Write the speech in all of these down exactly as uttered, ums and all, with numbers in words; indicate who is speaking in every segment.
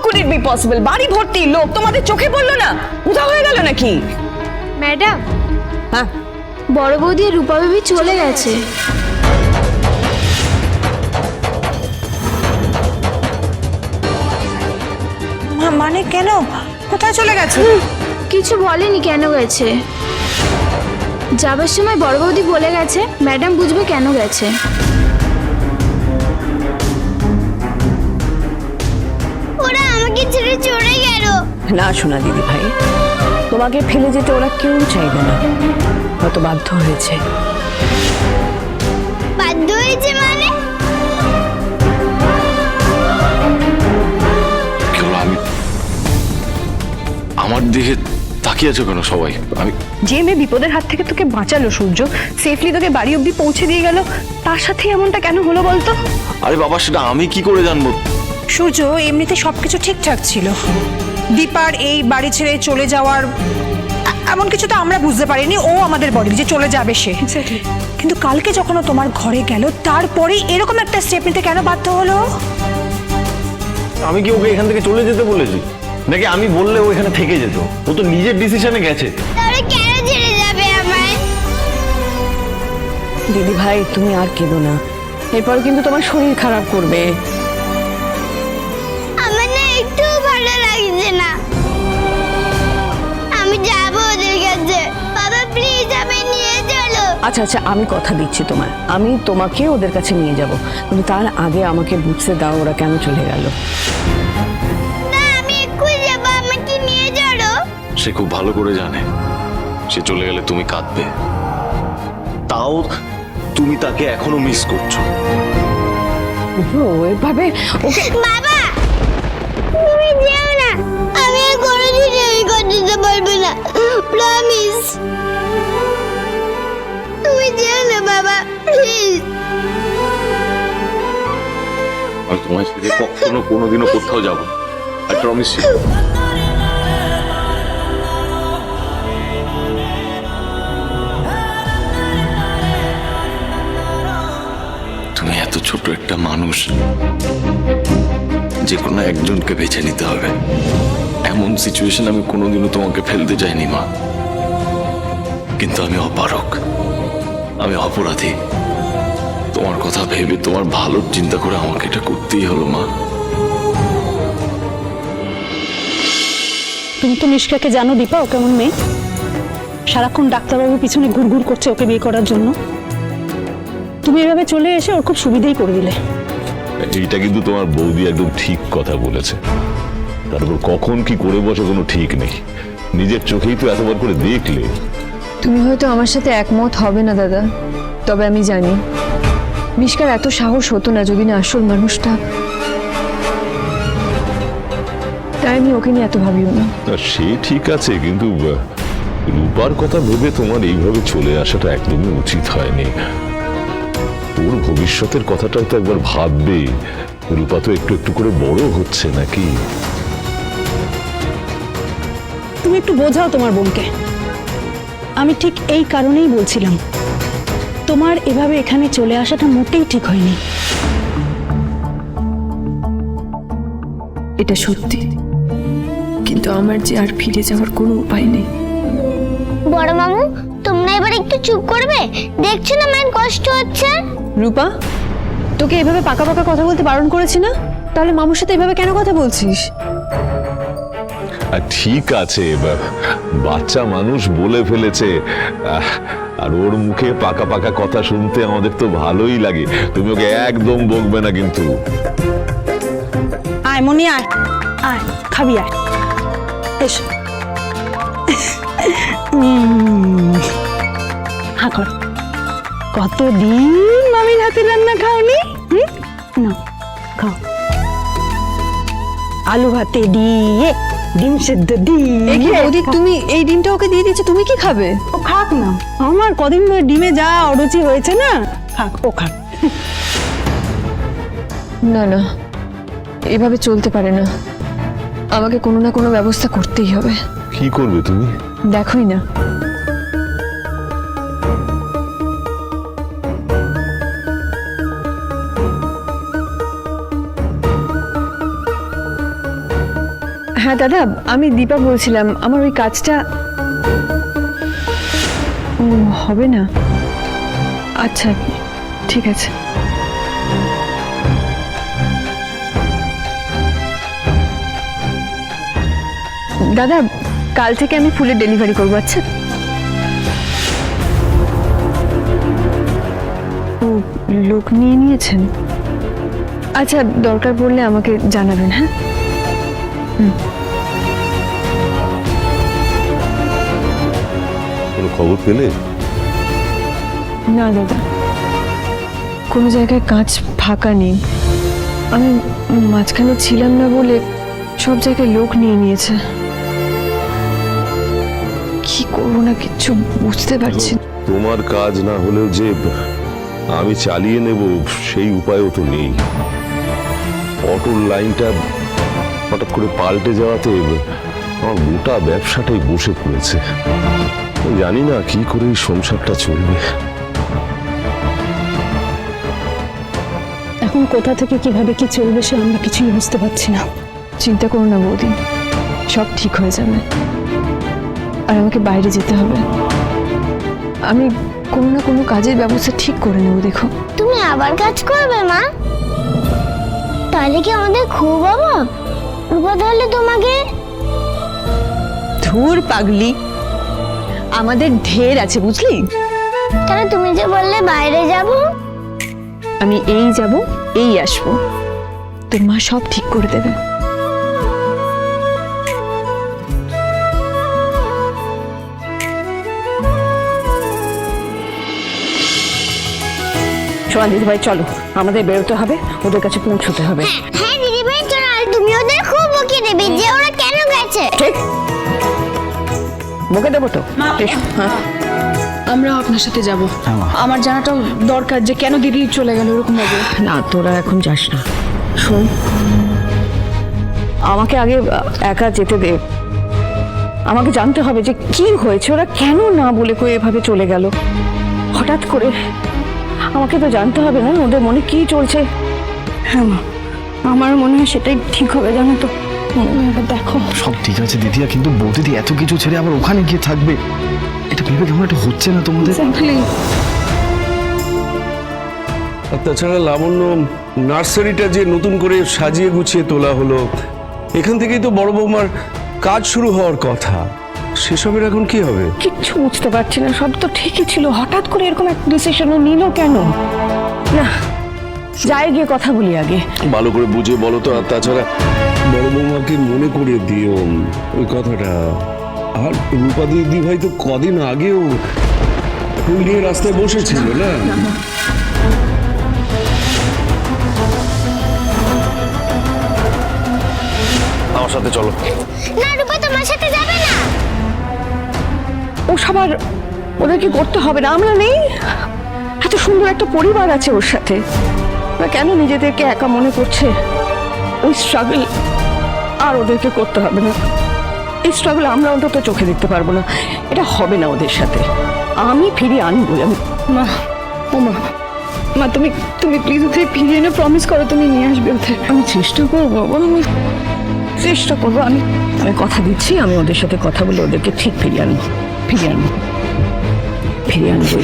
Speaker 1: Could it be possible? বাড়ি ভর্তি লোক, তোমাদের চোখে পড়লো না? উধাও হয়ে গেল নাকি?
Speaker 2: ম্যাডাম,
Speaker 1: হ্যাঁ,
Speaker 2: বড় বৌদি আর রূপা বেবি চলে গেছে।
Speaker 3: মানে কেন? কোথায় চলে গেছে?
Speaker 2: কিছু বলেনি কেন গেছে। যাবার সময় বড় বৌদি বলে গেছে, ম্যাডাম বুঝবে কেন গেছে। ওরা আমাকে ছেড়ে চলে গেল।
Speaker 1: না শোনা দিদি ভাই, তোমাকে ফেলে যেতে ওরা কেউ চাইবে না, হয়তো বাধ্য হয়েছে।
Speaker 2: বাধ্য হয়েছে মানে?
Speaker 4: কেবল আমি আমার দিকে তাকিয়ে আছো কেন সবাই? আমি
Speaker 5: যে মেয়ে বিপদের হাত থেকে তোকে বাঁচালো সূর্য, সেফলি তোকে বাড়ি অব্দি পৌঁছে দিয়ে গেল, তার সাথে এমনটা কেন হলো বলতো?
Speaker 4: আরে বাবা, সেটা আমি কি করে জানবো?
Speaker 3: সূর্য, এমনিতে সবকিছু ঠিকঠাক ছিল। দীপার এই বাড়ি ছেড়ে চলে যাওয়ার এ- এমন কিছু তো আমরা বুঝতে পারিনি। ও আমাদের বলি যে চলে যাবে সে, কিন্তু কালকে যখন ও তোমার ঘরে গেল, তারপরে এরকম একটা স্টেপ নিতে কেন বাধ্য হলো?
Speaker 6: আমি কি ওকে এখান থেকে চলে যেতে বলেছি, নাকি আমি বললে ও এখানে থেকে যেত? ও তো নিজের ডিসিশনে গেছে।
Speaker 2: তাহলে কেন ছেড়ে যাবে আমায়?
Speaker 1: দিদি ভাই তুমি আর কেঁদো না, এরপর কিন্তু তোমার শরীর খারাপ করবে।
Speaker 2: আমার না একটু ভালো লাগছে না। আমি যাব ওদের কাছে। বাবা প্লিজ আমায় নিয়ে চলো।
Speaker 1: আচ্ছা আচ্ছা, আমি কথা দিচ্ছি তোমার, আমি তোমাকে ওদের কাছে নিয়ে যাব, কিন্তু তার আগে আমাকে বুঝতে দাও ওরা কেন চলে গেল।
Speaker 2: না, আমি এক্ষুনি যাব, আমাকে নিয়ে চলো।
Speaker 4: সে খুব ভালো করে জানে সে চলে গেলে তুমি কাঁদবে, তাও তুমি তাকে এখনো মিস করছো।
Speaker 1: ও এভাবে ওকে
Speaker 2: বাবা, তুমি যেও না। আমি আর কোনোদিন এই করতে পারবো না, প্রমিস। তুমি যেও না বাবা, প্লিজ।
Speaker 4: আমি তোমার সাথে কখনো কোনোদিনও কোথাও যাবো, আই প্রমিস ইউ। তুমি এত ছোট একটা মানুষ, যে কোনো একজনকে বেছে নিতে হবে, এমন সিচুয়েশন আমি কোনোদিনও তোমাকে ফেলতে চাইনি মা, কিন্তু আমি অপারক, আমি অপরাধী। তোমার কথা ভেবে, তোমার ভালোর চিন্তা করে আমাকে এটা করতেই হলো মা।
Speaker 5: তুমি তো নিষ্কাকে জানো দীপা, ও কেমন মেয়ে। সারাক্ষণ ডাক্তারবাবুর পিছনে ঘুরঘুর করছে ওকে বিয়ে করার জন্য। তুমি এভাবে চলে এসে ওর খুব সুবিধেই করে দিলে।
Speaker 7: এইটা কিন্তু তোমার বৌদি একদম ঠিক কথা বলেছে। তারপর কখন কি করে বসে কোনো ঠিক নেই, নিজের চোখেই তো এতবার করে দেখলে।
Speaker 8: তুমি হয়তো আমার সাথে একমত হবে না দাদা, তবে আমি জানি মিশকার এত সাহস হতো না যদি না আসল মানুষটা। তাই আমি ওকে নিয়ে এত ভাবিও না।
Speaker 7: তা সে ঠিক আছে, কিন্তু আহ, রূপার কথা ভেবে তোমার এইভাবে চলে আসাটা একদমই উচিত হয়নি। ওর ভবিষ্যতের কথাটাও তো একবার ভাববে। রূপা তো একটু একটু করে বড় হচ্ছে নাকি।
Speaker 5: তুমি একটু বোঝাও তোমার বোনকে। আমি ঠিক এই কারণেই বলছিলাম, তোমার এভাবে এখানে চলে আসাটা মোটেই ঠিক হয়নি।
Speaker 8: এটা সত্যি, কিন্তু আমার যে আর ফিরে যাওয়ার কোনো উপায় নেই।
Speaker 2: বড় মামু, তোমরা এবার একটু চুপ করবে? দেখছো না মায়ের কষ্ট হচ্ছে।
Speaker 8: রূপা, তোকে এভাবে পাকা পাকা কথা বলতে বারণ করেছি না? তাহলে মামুর সাথে এভাবে কেন কথা বলছিস?
Speaker 7: আর ঠিক আছে, বা- বাচ্চা মানুষ বলে ফেলেছে, আহ, আর ওর মুখে পাকা পাকা কথা শুনতে আমাদের তো ভালোই লাগে। তুমি ওকে একদম বকবে না কিন্তু।
Speaker 5: আয় মনি, আয় আয়, খাবি আয়, এসো। উম, হা কর। কতদিন মামির হাতে রান্না খাওনি? হুম, নাও খাও। আলু ভাতে দিয়ে, ডিম সেদ্ধ
Speaker 8: এ কি
Speaker 5: দিয়ে।
Speaker 8: বৌদি, তুমি এই ডিমটা ওকে দিয়ে দিচ্ছ, তুমি কি খাবে?
Speaker 5: ও খাক না, আমার কদিন ধরে ডিমে যা অরুচি হয়েছে না, খাক, ও খাক।
Speaker 8: না না, এভাবে চলতে পারে না। আমাকে কোনো না কোনো ব্যবস্থা করতেই হবে।
Speaker 7: কি করবে তুমি?
Speaker 8: দেখোই না, হ্যাঁ দাদা, আমি দীপা বলছিলাম, আমার ওই কাজটা ও হবে না। আচ্ছা ঠিক আছে। দাদা, কাল থেকে আমি ফুলের ডেলিভারি করবো। আচ্ছা, ও লোক নিয়ে নিয়েছেন? আচ্ছা, দরকার পড়লে আমাকে জানাবেন। হ্যাঁ,
Speaker 7: কোনো খবর পেলে?
Speaker 8: না দাদা, কোনো জায়গায় কাজ ফাঁকা নেই। আমি মাঝখানে ছিলাম না বলে সব জায়গায় লোক নিয়ে নিয়েছে। কি করবো না কিচ্ছু বুঝতে পারছি না।
Speaker 7: তোমার কাজ না হলেও যে আমি চালিয়ে নেব সেই উপায়ও তো নেই। অটোর লাইনটা হঠাৎ করে পাল্টে যাওয়াতে আমার গোটা ব্যবসাটাই বসে পড়েছে। জানি না কি করে এই সংসারটা চলবে।
Speaker 5: এখন কোথা থেকে কিভাবে কি চলবে সে আমরা কিছুই বুঝতে পারছি না।
Speaker 8: চিন্তা করো না বৌদি, সব ঠিক হয়ে যাবে। আর আমাকে বাইরে যেতে হবে। আমি কোনো না কোনো কাজের ব্যবস্থা ঠিক করে নেবো। দেখো,
Speaker 2: তুমি আবার কাজ করবে মা? তাহলে কি আমাদের খুব অভাব? রূপা তাহলে তোমাকে
Speaker 1: ধুর পাগলি, আমাদের ঢের আছে বুঝলি।
Speaker 2: তাহলে তুমি যে বললে বাইরে যাব,
Speaker 8: আমি এই যাব এই আসবো, তোর মা সব ঠিক করে দেবে।
Speaker 1: সোনা দিদি ভাই চলো, আমাদের বেরোতে হবে, ওদের কাছে পৌঁছতে হবে।
Speaker 2: হ্যাঁ দিদি ভাই চলো, আর তুমি ওদের খুব বকিয়ে দেবে যে ওরা কেন গেছে।
Speaker 1: ঠিক বকে দেবো তো। এসো, হ্যাঁ
Speaker 5: আমরা আপনার সাথে যাব। আমার জানাটাও দরকার যে কেন দিদি চলে গেল এরকম ভাবে।
Speaker 1: না, তোরা এখন যাস না। শোন, আমাকে আগে একা যেতে দে। আমাকে জানতে হবে যে কি হয়েছে, ওরা কেন না বলে কই এভাবে চলে গেল হঠাৎ করে। আমাকে তো জানতে হবে না ওদের মনে কি চলছে।
Speaker 5: হ্যাঁ মা, আমার মনে হয় সেটাই ঠিক হবে, জানো তো। এবার দেখো,
Speaker 9: সব ঠিক আছে দিদিয়া, কিন্তু বৌদিদি এত কিছু ছেড়ে আবার ওখানে গিয়ে থাকবে, এটা ভেবে কেমন একটা হচ্ছে না তোমাদের?
Speaker 10: আর তাছাড়া লাবণ্য নার্সারিটা যে নতুন করে সাজিয়ে গুছিয়ে তোলা হলো, এখান থেকেই তো বড় বৌমার কাজ শুরু হওয়ার কথা। সেসবের এখন কি হবে?
Speaker 1: কিচ্ছু বুঝতে পারছি না। সব তো ঠিকই ছিল, হঠাৎ করে এরকম একটা ডিসিশনও নিল কেন? না, যাই গিয়ে কথা বলি আগে।
Speaker 10: ভালো করে বুঝে বলো তো। আর তাছাড়া বড় বৌমাকে মনে করিয়ে দিও ওই কথাটা। আর রূপা দিদি ভাই তো কদিন আগেও ফুল নিয়ে রাস্তায় বসেছিল না?
Speaker 6: আমার সাথে চলো।
Speaker 2: না রূপা তোমার সাথে যাবে না।
Speaker 1: ও সবার ওদেরকে করতে হবে না, আমরা নেই। এত সুন্দর একটা পরিবার আছে ওর সাথে, ওরা কেন নিজেদেরকে একা মনে করছে? ওই স্ট্রাগল আর ওদেরকে করতে হবে না। এই স্ট্রাগল আমরা অন্তত চোখে দেখতে পারবো না। এটা হবে না ওদের সাথে। আমি ফিরিয়ে আনবো। আমি
Speaker 5: মা, ও মা, মা তুমি তুমি প্লিজ ওদের ফিরিয়ে এনে প্রমিস করো তুমি নিয়ে আসবে ওদের।
Speaker 1: আমি চেষ্টা করবো, আমি চেষ্টা করবো। আমি আমি কথা দিচ্ছি, আমি ওদের সাথে কথা বলে ওদেরকে ঠিক ফিরিয়ে আনবো। ফিরিয়ে আনবো, ফিরিয়ে আনবোই।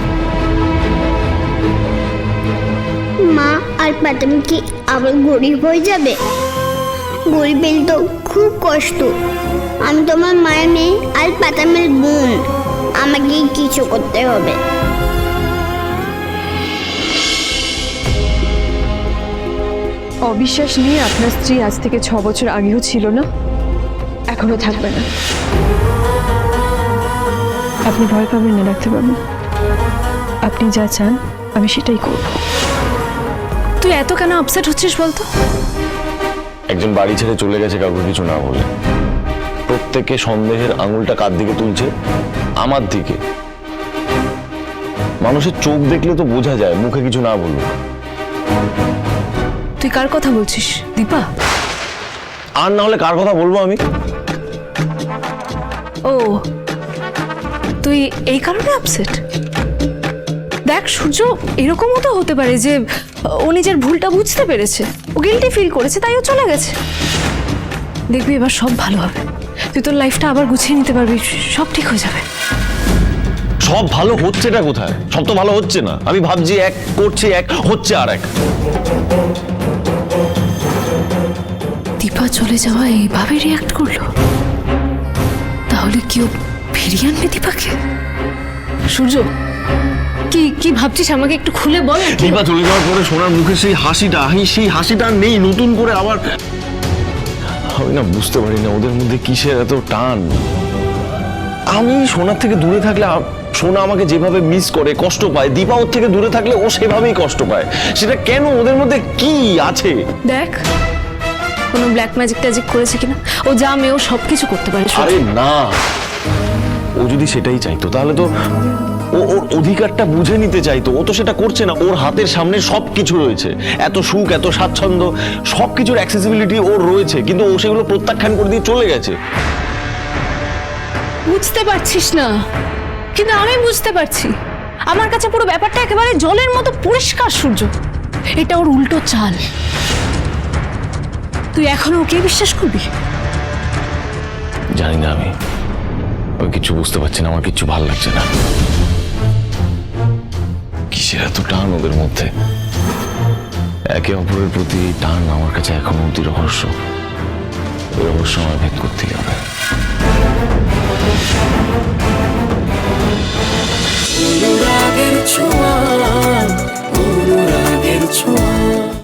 Speaker 2: মা আর পাতামি কি আবার গরিব হয়ে যাবে? গরিব এলে তো খুব কষ্ট। আমি তোমার মায়ের মেয়ে আর পাতামের বোন, আমাকে কিছু করতে হবে।
Speaker 8: অবিশ্বাস নিয়ে আপনার স্ত্রী আজ থেকে ছ বছর আগেও ছিল না, এখনো থাকবে না। আপনি ভয় পাবেন না ডাক্তারবাবু, আপনি যা চান আমি সেটাই করব।
Speaker 5: তুই এত কেন আপসেট হচ্ছিস বলতো?
Speaker 6: একজন বাড়ি ছেড়ে চলে গেছে কাউকে কিছু না বলে। প্রত্যেকে সন্দেহের আঙুলটা কার দিকে তুলছে? আমার দিকে। মানুষের চোখ দেখলে তো বোঝা যায়, মুখে কিছু না বলুক।
Speaker 5: তুই কার কথা বলছিস দীপা?
Speaker 6: আর না হলে কার কথা বলবো আমি?
Speaker 5: ও, তুই এই কারণে আপসেট? দেখ সূর্য, এরকমও তো হতে পারে যে ও নিজের ভুলটা বুঝতে পেরেছে, ও গিল্টি ফিল করেছে, তাই ও চলে গেছে।
Speaker 8: দেখবি এবার সব ভালো হবে, তুই তোর লাইফটা আবার গুছিয়ে নিতে পারবি, সব ঠিক হয়ে যাবে।
Speaker 6: সব ভালো হচ্ছেটা কোথায়? সব তো ভালো হচ্ছে না। আমি ভাবছি এক করছি এক, হচ্ছে আর এক।
Speaker 8: দীপা চলে যাওয়া এইভাবে রিয়াক্ট করলো, তাহলে কেউ ফিরিয়ে আনবে দীপাকে? সূর্য, কি কি ভাবছিস আমাকে একটু খুলে বল।
Speaker 6: দীপা চলে যাওয়ার পরে সোনার মুখে সেই হাসিটা, সেই হাসিটা নেই, নতুন করে আবার। আমি না বুঝতে পারি না ওদের মধ্যে কিসের এত টান। আমি সোনার থেকে দূরে থাকলে সোনা আমাকে যেভাবে মিস করে, কষ্ট পায়, দীপা ওর থেকে দূরে থাকলে ও সেভাবেই কষ্ট পায়। সেটা কেন? ওদের মধ্যে কি আছে?
Speaker 8: দেখ, কোনো ব্ল্যাক ম্যাজিক ট্যাজিক করেছে কিনা, ও যা মেয়েও সবকিছু করতে পারে।
Speaker 6: আরে না, ও যদি সেটাই চাইতো তাহলে তো ও ওর অধিকারটা বুঝে নিতে চাইতো। ও তো সেটা করছে না। ওর হাতের সামনে সবকিছু রয়েছে, এত সুখ, এত স্বাচ্ছন্দ্য, সবকিছুর অ্যাক্সেসিবিলিটি ওর রয়েছে, কিন্তু ও সেগুলো প্রত্যাখ্যান করে দিয়ে চলে গেছে।
Speaker 8: বুঝতে পারছিস না, কিন্তু আমি বুঝতে পারছি। আমার কাছে পুরো ব্যাপারটা একেবারে জলের মতো পরিষ্কার সূর্য। এটা ওর উল্টো চাল। তুই এখনো ওকে বিশ্বাস করবি?
Speaker 6: জানি না, আমি আমি কিছু বুঝতে পারছি না। আমার কিছু ভালো লাগছে না। কিসের এত টান ওদের মধ্যে? একে অপরের প্রতি এই টান আমার কাছে এখনো অতি রহস্য। এই রহস্য আমার ভেদ করতে হবে।